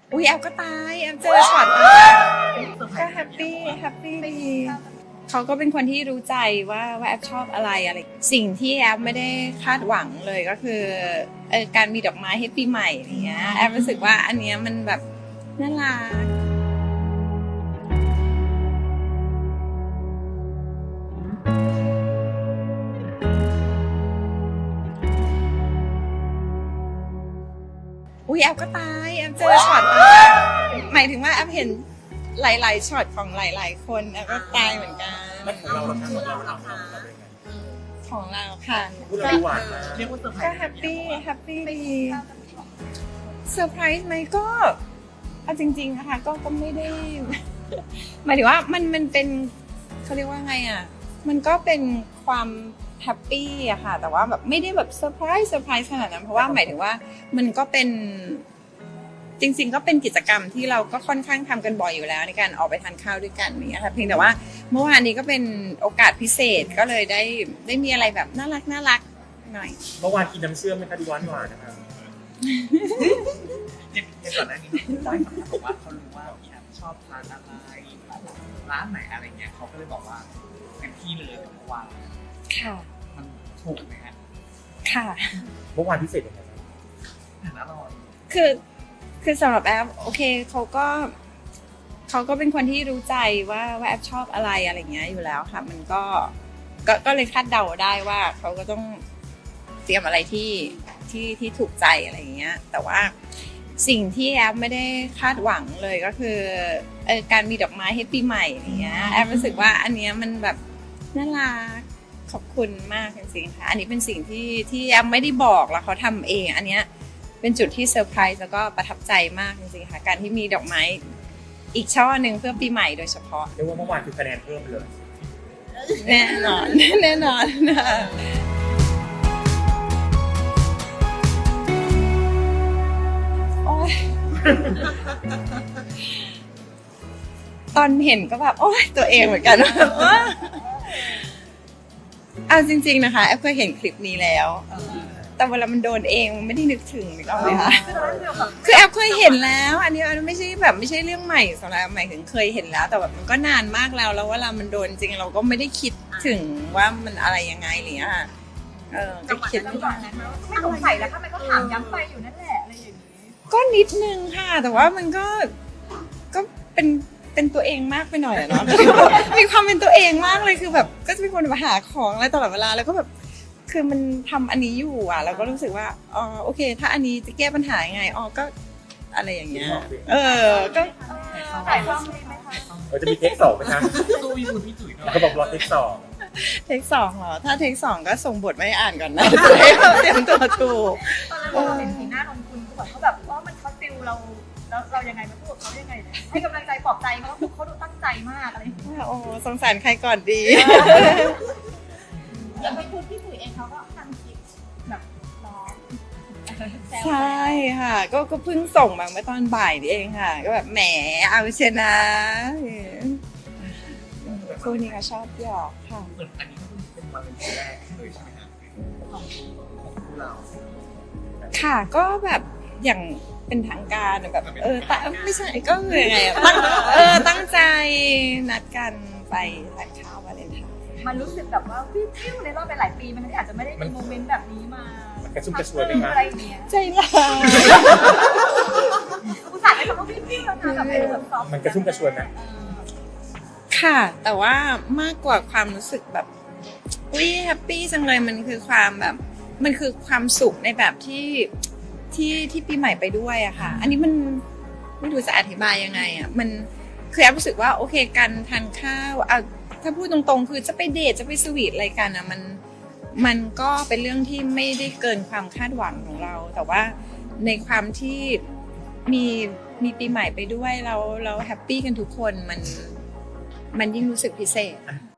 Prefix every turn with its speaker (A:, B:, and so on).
A: อุ้ยแอฟก็ตายแอฟเจอช็อตก็แฮปปี้ดีเขาก็เป็นคนที่รู้ใจว่าแอฟชอบอะไรสิ่งที่แอฟไม่ได้คาดหวังเลยก็คือการมีดอกไม้ให้ปีใหม่อย่างเงี้ยแอฟรู้สึกว่าอันเนี้ยมันแบบน่ารักอุ้ยแอฟก็ตายแอฟเจอช็อตหมายถึงว่าแอฟเห็นหลายๆช็อตของหลายๆคนแอฟก็ตายเหมือนกัน
B: มันของเราเป็นไง
A: ของเราค่ะ
B: พูดเราดูหวานมาก
C: เรียกว่าเซอร์ไพร
A: ก็
C: ส์
A: แฮปปี้ดีเซอร์ไพรส์ไหมก็เอาจริงๆนะคะก็ไม่ได้ หมายถึงว่ามันเป็นเขาเรียกว่าไงอ่ะมันก็เป็นความแฮปปี้อะค่ะแต่ว่าแบบไม่ได้แบบเซอร์ไพรส์ขนาดนั้นเพราะว่าหมายถึงว่ามันก็เป็นจริงๆก็เป็นกิจกรรมที่เราก็ค่อนข้างทำกันบ่อยอยู่แล้วในการออกไปทานข้าวด้วยกันอย่างเงี้ยค่ะเพียงแต่ว่าเมื่อวานนี้ก็เป็นโอกาสพิเศษก็เลยได้มีอะไรแบบน่ารักหน่อย
B: เมื่อวานกินน้ำเชื่อมไหมคะดูหวานนะครับ
C: อย่างก่อนหน้านี้พี่บอยบอกว่าเขารู้ว่าพี่แอฟชอบทานอะไรร้านไหนอะไรเงี้ยเขาก็เลยบอกว่าเป็นที่เลยกับเมื่อวาน
A: ค่ะ
C: มันถูกไหมฮะ
A: ค่ะ
B: เมื่อวานพิเศษยังไง
C: อาหารอร่อย
A: คือสำหรับแอฟโอเคเขาก็เป็นคนที่รู้ใจว่าแอฟชอบอะไรเงี้ยอยู่แล้วค่ะมันก็เลยคาดเดาได้ว่าเขาก็ต้องเตรียมอะไรที่ถูกใจอะไรเงี้ยแต่ว่าสิ่งที่แอฟไม่ได้คาดหวังเลยก็คือการมีดอกไม้ให้ปีใหม่อย่างเงี้ยแอฟรู้สึกว่าอันเนี้ยมันแบบน่ารักขอบคุณมากจริงๆค่ะอันนี้เป็นสิ่งที่แอฟไม่ได้บอกแล้วเขาทำเองอันเนี้ยเป็นจุดที่เซอร์ไพรส์แล้วก็ประทับใจมากจริงๆค่ะการที่มีดอกไม้อีกช่อหนึ่งเพื่อปีใหม่โดยเฉพาะ
B: เรียกว่าเมื่อวานคือคะแนนเพิ่มเลย
A: แน่นอนนะโอ๊ยตอนเห็นก็แบบโอ๊ยตัวเองเหมือนกันเอาจริงๆนะคะแอฟเคยเห็นคลิปนี้แล้วแต่เวลามันโดนเองมันไม่ได้นึกถึงหรือเปล่าคะคือแอฟเคยเห็นแล้วอันนี้ไม่ใช่เรื่องใหม่สำหรับหมายถึงเคยเห็นแล้วแต่แบบมันก็นานมากแล้วเวลามันโดนจริงเราก็ไม่ได้คิดถึงว่ามันอะไรยังไงหรืออ่ะก็คิด
D: จังหวะนั้นไม่สงสัยแล้วทำไมก็ถามย้ำไปอยู่นั่นแหละอะไรอย่างนี้
A: ก็นิดนึงค่ะแต่ว่ามันก็เป็นตัวเองมากไปหน่อยอะเนาะ มีความเป็นตัวเองมากเลยคือแบบก็จะเป็นคนมาหาของอะไรตลอดเวลาแล้วก็แบบคือมันทำอันนี้อยู่อ่ะเราก็รู้สึกว่าอ๋อโอเค ถ้าอันนี้จะแก้ปัญหายังไงอ๋อก็อะไรอย่างเงี้ยก็
D: ถ่ายทอดเลยไหมคะ
B: เราจะมีเทค2ไหมคะ
C: สู้พี่บุญพี่จุ๋ยหน่อย
B: เขาบอกรอเทค2
A: เทค 2เหรอถ้าเทค 2ก็ส่งบทไม่อ่านก่อนนะ จะให้เราเตรียมตัวถูก
D: ตอนนั้นเราเห็นสีหน้านนคุณเขาแบบว่ามันเขาติวเราแล้วเรายังไงมาพูดเขายังไงให้กำลังใจปลอบใจเขาเขาดูตั้งใจมากอะไรอย่างเงี้ย
A: โอ้สงสารใครก่อนดี
D: แล้วไปพูดพี่ปุ๋ยเองเขาก็ทำคลิปแบบร้อง
A: ใช่ค่ะก็เพิ่งส่งมาเมื่อตอนบ่ายนี่เองค่ะ ก็แบบแหมเอาชนะคู่นี้ก็ชอบหยอกค่ะ
C: เหมือนอันนี้ก็เป็นวันเป็นแรกเลยใช่ไหมฮะของคู่เรา
A: ค่ะก็แบบอย่างเป็นทางการแบบไม่ใช่ก็คือยังไงอะตั้งใจนัดกันไปทานข้าววาเลนไทน์
D: มันรู้สึกแบบว่าวิวในรอบไปหลายปีมันอาจจะไม่ได้มีโมเมนต์แบบนี้มา
B: มันกระชุ่มกระชวยไหมคะ
D: อะไรอย่างเงี้ย
A: ใจร้าย
D: อุตส่าห์ได้คำว่าวิวแล้วนะแบบเป็นแบบซอฟต์
B: มันกระชุ่มกระชวยไหม
A: ค่ะ แต่ว่ามากกว่าความรู้สึกแบบอุ้ยแฮปปี้จังเลยมันคือความสุขในแบบที่ปีใหม่ไปด้วยอะค่ะ อันนี้มันไม่รู้จะอธิบายยังไงอะมันคือแอบรู้สึกว่าโอเคการทานข้าวเอาถ้าพูดตรงๆคือจะไปเดทจะไปสวีทอะไรกันอะมันก็เป็นเรื่องที่ไม่ได้เกินความคาดหวังของเรา แต่ว่าในความที่มีปีใหม่ไปด้วยเราแฮปปี้กันทุกคนมันยิ่งรู้สึกพิเศษ